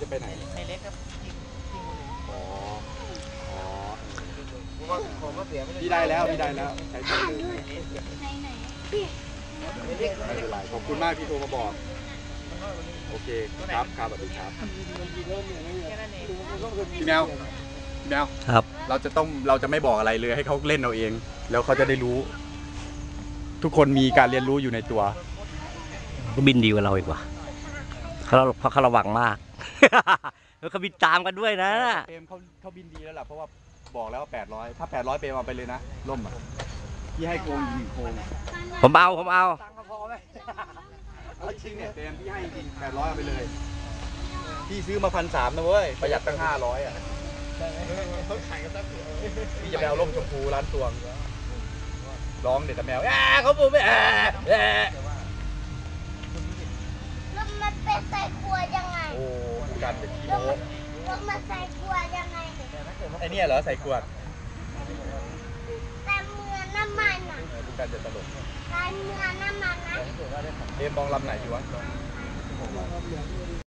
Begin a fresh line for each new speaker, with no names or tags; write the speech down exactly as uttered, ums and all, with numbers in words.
ไปไหนในเล็กครับอ๋ออ๋อพี่ได้แล้วพี่ได้แล้วใช้ตัวเลยไม่เป็นไรขอบคุณมากที่โทรมาบอกโอเคครับครับสวัสดีครับพี่แมวพี่แมว
ครับ
เราจะต้องเราจะไม่บอกอะไรเลยให้เขาเล่นเอาเองแล้วเขาจะได้รู้ ทุกคนมีการเรียนรู้อยู่ในตัว
ก็บินดีกว่าเราอีกว่าเขาเพราะเขาระวังมาก แล้วเขาบินตามกันด้วยนะ
เปรมเขาเขาบินดีแล้วล่ะเพราะว่าบอกแล้วว่าแปดร้อยถ้าแปดร้อยเปรมเอาไปเลยนะล่มอ่ะพี่ให้โกงอีกหนึ่งโกง
ผมเอาผมเอา
เอาจริงเนี่ยเปรมพี่ให้จริงแปดร้อยเอาไปเลยพี่ซื้อมาพันสามนะเว้ยประหยัดตั้งห้าร้อยอ่ะพี่จะไปเอาล่มชมพูร้านตวงร้องเด็ดแต่แมวแอะเขาปูไม่แอะแอะ
แล้วมันเป็นใส่ขวดยังไง
โอ้การเป็นกิโล
แล้วมันใส่ขวดยังไง
ไอเนี่ยเหรอใส่ขวด
แต่เมื่อน้ำมันอ่ะ
ดูการจะตลก
แต่เมื่อน้ำมันนะ
เอ็มมองลำไหนอยู่วะ